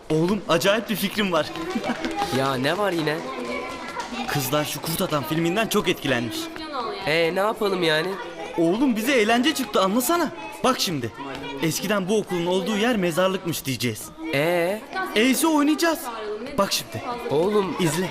Oğlum acayip bir fikrim var. Ya ne var yine? Kızlar şu Kurt Adam filminden çok etkilenmiş. Ne yapalım yani? Oğlum bize eğlence çıktı, anlasana. Bak şimdi. Eskiden bu okulun olduğu yer mezarlıkmış diyeceğiz. E'si oynayacağız. Bak şimdi. Oğlum İzle.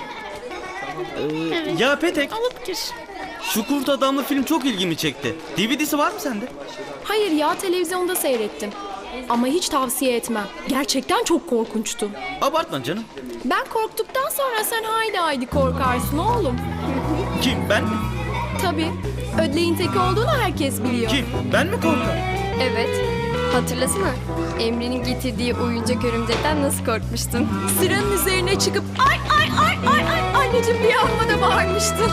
Ya Petek, Alıp gir. şu Kurt Adamlı film çok ilgimi çekti. DVD'si var mı sende? Hayır ya, televizyonda seyrettim. Ama hiç tavsiye etmem. Gerçekten çok korkunçtu. Abartma canım. Ben korktuktan sonra sen haydi korkarsın oğlum. Kim, ben mi? Tabii. Ödleğin teki olduğunu herkes biliyor. Kim, ben mi korkarım? Evet. Hatırlasana. Emre'nin getirdiği oyuncak örümcekten nasıl korkmuştun? Sıranın üzerine çıkıp ay anneciğim diye amma da bağırmıştın.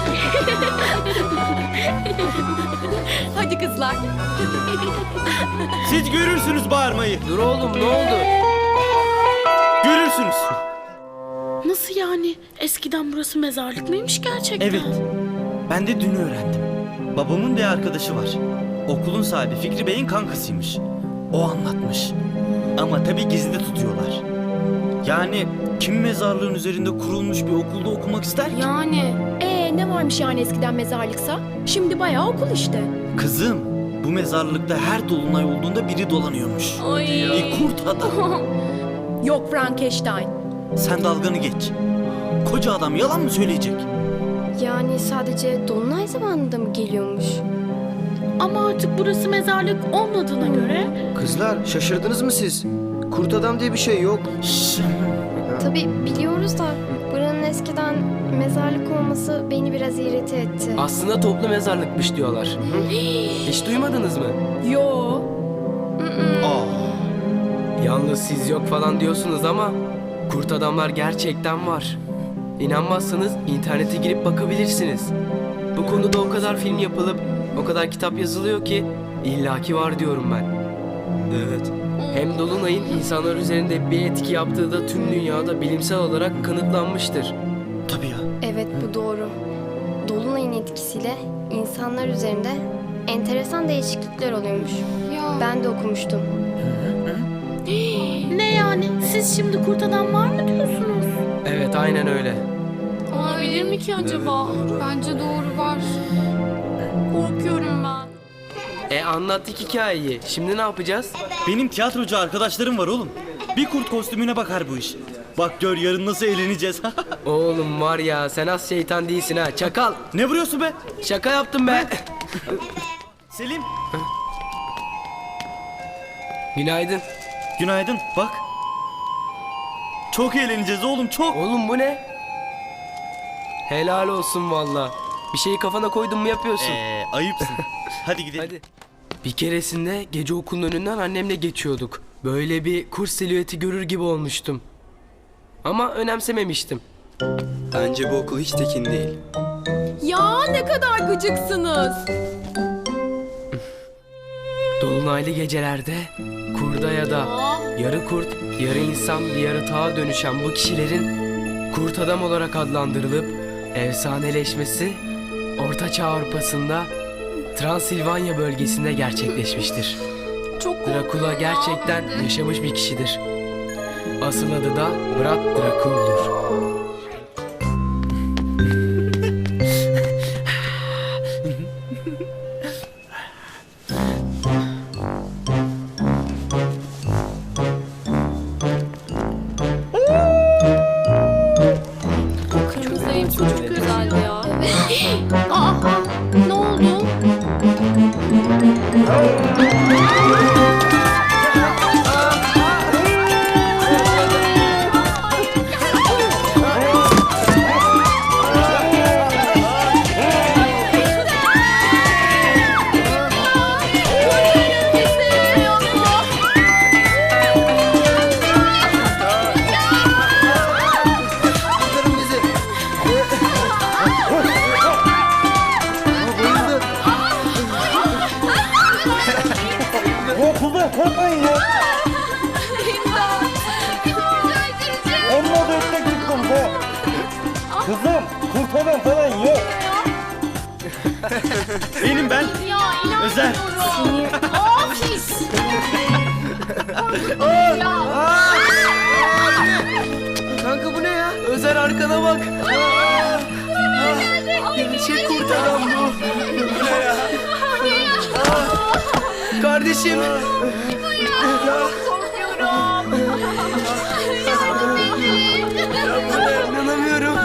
Hadi kızlar. Siz görürsünüz bağırmayı. dur oğlum, ne oldu? Görürsünüz. Nasıl yani? Eskiden burası mezarlık mıymış gerçekten? Evet. Ben de dün öğrendim. Babamın bir arkadaşı var. Okulun sahibi Fikri Bey'in kankasıymış. O anlatmış. Ama tabii gizli tutuyorlar. Yani kim mezarlığın üzerinde kurulmuş bir okulda okumak ister ki? Yani. Ne varmış yani eskiden mezarlıksa? Şimdi bayağı okul işte. Kızım, bu mezarlıkta her dolunay olduğunda biri dolanıyormuş. Bir kurt adam. Yok Frankenstein. Sen dalganı geç. Koca adam yalan mı söyleyecek? Yani sadece dolunay zamanında mı geliyormuş? Ama artık burası mezarlık olmadığına göre... Kızlar şaşırdınız mı siz? Kurt adam diye bir şey yok. Şşş. Tabii biliyoruz da buranın eskiden mezarlık olması beni biraz irite etti. Aslında toplu mezarlıkmış diyorlar. Hiç duymadınız mı? Yo. Yalnız siz yok falan diyorsunuz ama kurt adamlar gerçekten var. İnanmazsanız internete girip bakabilirsiniz. Bu konuda o kadar film yapılıp o kadar kitap yazılıyor ki illaki var diyorum ben. Evet. Hem Dolunay'ın insanlar üzerinde bir etki yaptığı da tüm dünyada bilimsel olarak kanıtlanmıştır. Tabii ya. Evet, bu doğru. Dolunay'ın etkisiyle insanlar üzerinde enteresan değişiklikler oluyormuş. Ben de okumuştum. Ne yani? Siz şimdi kurt adam var mı diyorsunuz? Evet, aynen öyle. Olabilir mi ki acaba? Bence doğru var. Korkuyorum ben. Anlattık hikayeyi. Şimdi ne yapacağız? Benim tiyatrocu arkadaşlarım var oğlum. Bir kurt kostümüne bakar bu iş. Bak gör yarın nasıl eğleneceğiz. Oğlum var ya, sen az şeytan değilsin ha, çakal. Ne vuruyorsun be? Şaka yaptım be. Selim. Günaydın. Günaydın. Bak. Çok eğleneceğiz oğlum, çok. Oğlum bu ne? Helal olsun valla. Bir şeyi kafana koydun mu yapıyorsun. Ayıpsın. Hadi gidelim. Hadi. Bir keresinde gece okulun önünden annemle geçiyorduk. Böyle bir kuş silüeti görür gibi olmuştum. Ama önemsememiştim. Bence bu okul hiç tekin değil. Ya ne kadar gıcıksınız. Dolunaylı gecelerde kurda ya da yarı kurt, yarı insan bir yaratığa dönüşen bu kişilerin kurt adam olarak adlandırılıp efsaneleşmesi Orta Çağ Avrupa'sında Transilvanya bölgesinde gerçekleşmiştir. Çok Drakula gerçekten yaşamış bir kişidir. Asıl adı da Brad Dracul'dur. Kırmızı ev çok güzel ya. Ne oldu? Kurtarın bizi. Bayıldı. Kızlar korkmayın ya. Amma da ötmek çıktım be. Kızım kurt adam falan yok. Benim ben. Özer. Of! Ya! arkana bak. Gerçek kurt adam bu. Kardeşim. İnanamıyorum.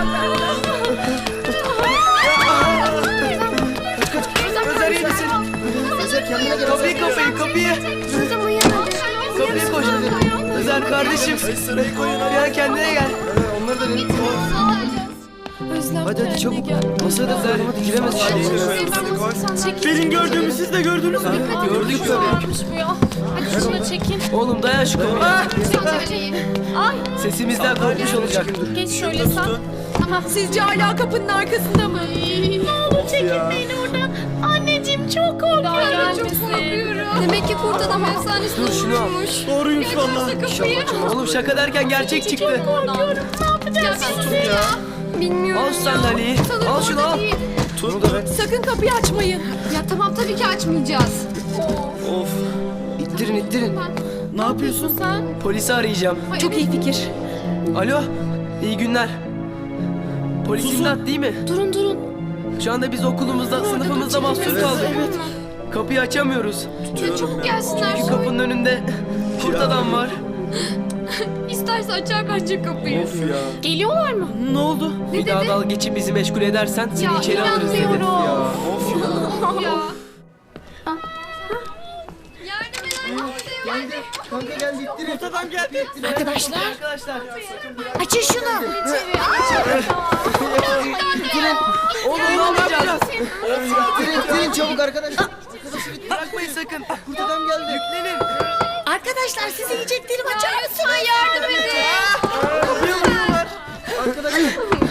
Özer iyi misin? Özer kendine gel. Kapıyı. Kapıyı koş. Özer kardeşim. Ya kendine gel. Onları da denedim. Özlem Hadi kendine çabuk. gel. Masada hadi giremez şimdi. Benim gördüğümü siz de gördünüz mü? Gördük tabii. Varmış bu ya. Hadi şuna çekin. Oğlum dayan şu kapıya. Ay Sesimizden korkmuş olacak. geç şöyle sen. Tamam. Sizce hala kapının arkasında mı? Ne olur çekin beni oradan. Anneciğim çok korkuyorum. Çok korkuyorum. Demek ki kurt adam efsanesi Dur şunu al. Doğruymuş valla. Oğlum şaka derken gerçek çıktı. Korkuyorum. Ne yapacağız şimdi ya? bilmiyorum. Al şu sandalyeyi. Al şunu al. Bunu da ver. Sakın kapıyı açmayın. Ya tamam tabii ki açmayacağız. Of. İttirin. Ne yapıyorsun? Sen? Polisi arayacağım. Çok iyi fikir. Alo. İyi günler. Polis imdat değil mi? Durun. Şu anda biz okulumuzda, sınıfımızda mahsur kaldık. Kapıyı açamıyoruz. Ya çabuk gelsinler. Çünkü kapının önünde kurt adam var. İsterse açar bence kapıyı. Geliyorlar mı? Ne oldu? Bir daha dalga geçip bizi meşgul edersen seni içeri alırız dedi. inanmıyorum. Ya. Kanka geldi ittirin. Kurt adam geldi. Arkadaşlar. Açın şunu. Oğlum ne yapacağız? İttirin çabuk arkadaşlar. Bırakmayın sakın. Kurt adam geldi. Yüklenin. Arkadaşlar size yiyeceklerimi açar mısınız? Lütfen yardım edin. Arkadaşlar.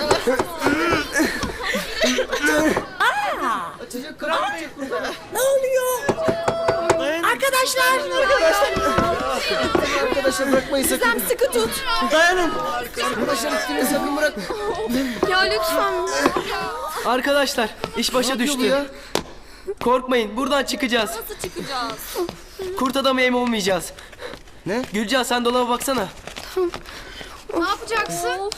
Açacak kıramayacak kurt adam. Ne oluyor? Arkadaşlar. Arkadaşlar bırakmayın sakın. Sen sıkı tut. Dayanın. Arkadaşlar ittirin sakın bırakma. Ya lütfen. Arkadaşlar iş başa yapıyor bu düştü. ya? Korkmayın buradan çıkacağız. Nasıl çıkacağız? Kurt adamı yem olmayacağız. Ne? Gülcan sen dolaba baksana. Ne yapacaksın?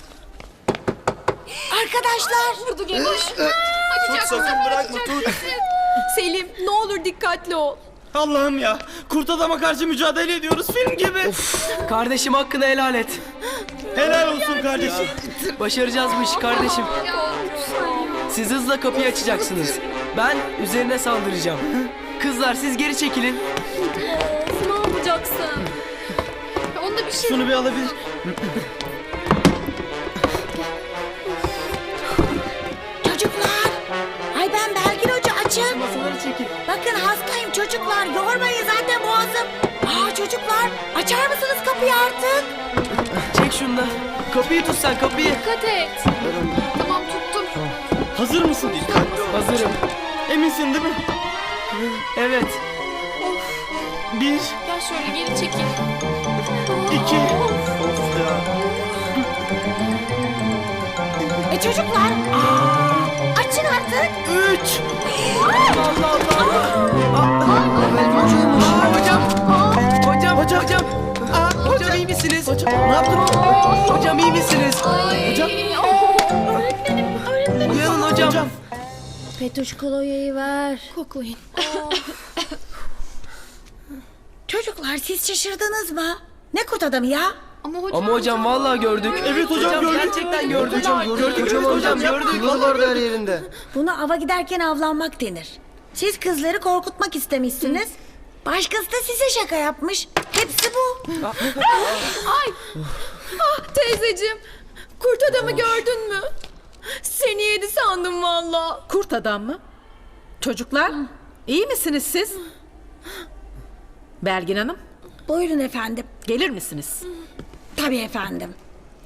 Arkadaşlar. Vurdu gene. Açacaksın. Bırakma tut. Selim ne olur dikkatli ol. Allah'ım ya. Kurt adama karşı mücadele ediyoruz film gibi. Kardeşim hakkını helal et. Helal olsun kardeşim. Başaracağız bu işi kardeşim. Siz hızla kapıyı açacaksınız. Ben üzerine saldıracağım. Kızlar siz geri çekilin. Ne yapacaksın? Ya onda bir şey Şunu bir alabilir. Çocuklar. Ay ben Belgin Hoca açın. Masaları çekil. Bakın hastayım çocuklar. Yormayın zaten boğazım. Çocuklar açar mısınız kapıyı artık? Çek şunu da. Kapıyı tut sen kapıyı. dikkat et. Tamam tuttum. Hazır mısın? Hazırım. Eminsin değil mi? Evet. Bir, Gel şöyle geri çekil. iki. Çocuklar. Açın artık. Üç. Hocam. Hocam iyi misiniz? Ne yaptın? Hocam iyi misiniz? Hocam. Uyanın hocam. Petuş kolonyayı ver. Koklayın. Çocuklar siz şaşırdınız mı? Ne kurt adamı ya? Ama hocam vallahi gördük. Evet hocam, gördük. Gerçekten gördük. Gördük Hocam gördük. Kılları vardı her yerinde. Buna ava giderken avlanmak denir. Siz kızları korkutmak istemişsiniz. Başkası da size şaka yapmış. Hepsi bu. Teyzeciğim kurt adamı gördün mü? Seni yedi sandım valla. Kurt adam mı? Çocuklar, iyi misiniz siz? Belgin Hanım, Buyurun efendim. gelir misiniz? Tabii efendim.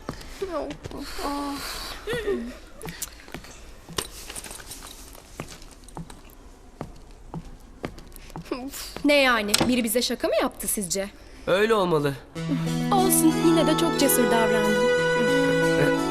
Ne yani? Biri bize şaka mı yaptı sizce? Öyle olmalı. Olsun yine de çok cesur davrandın.